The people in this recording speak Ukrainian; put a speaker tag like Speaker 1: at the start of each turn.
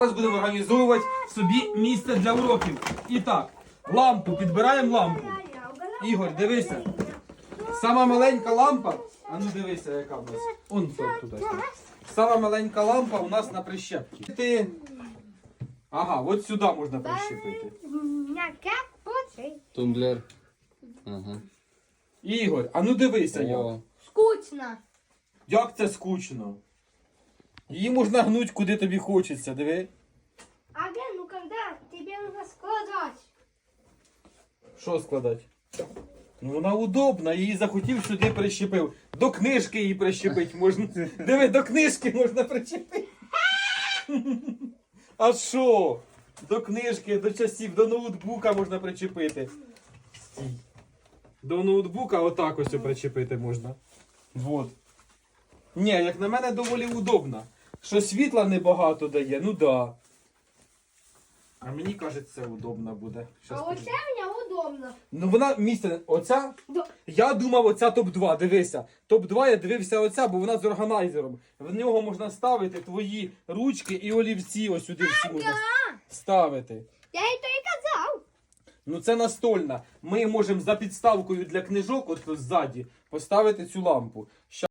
Speaker 1: Зараз будемо організовувати собі місце для уроків. І так, лампу, підбираємо лампу. Ігор, дивися. Сама маленька лампа, а ну дивися, яка в нас. Он туди. Сама маленька лампа у нас на прищепці. Ага, от сюди можна прищепити.
Speaker 2: Тумблер. Ага.
Speaker 1: Ігор, а ну дивися, як.
Speaker 2: О,
Speaker 3: Скучно.
Speaker 1: Як це скучно. Її можна гнуть, куди тобі хочеться, диви.
Speaker 3: Ага, ну когда тебе нужно складывать?
Speaker 1: Що складати? Ну вона удобна, її захотів сюди прищепив. До книжки її прищепити можна. Диви, до книжки можна прищепити. А що? До книжки, до часів, до ноутбука можна причепити. Стій. До ноутбука отак ось причепити можна. Вот. Ні, як на мене доволі удобна. Що світла небагато дає, ну да. А мені кажеться, удобно буде. Щас
Speaker 3: А вот
Speaker 1: подивлюсь.
Speaker 3: это мне удобно.
Speaker 1: Ну вона місце, оця,
Speaker 3: Да.
Speaker 1: я думав оця топ-2, дивися. Топ-2 я дивився оця, бо вона з органайзером. В нього можна ставити твої ручки і олівці, ось сюди всі можна ставити.
Speaker 3: Я это и казал.
Speaker 1: Ну це настольна. Ми можемо за підставкою для книжок, от ззаді, поставити цю лампу.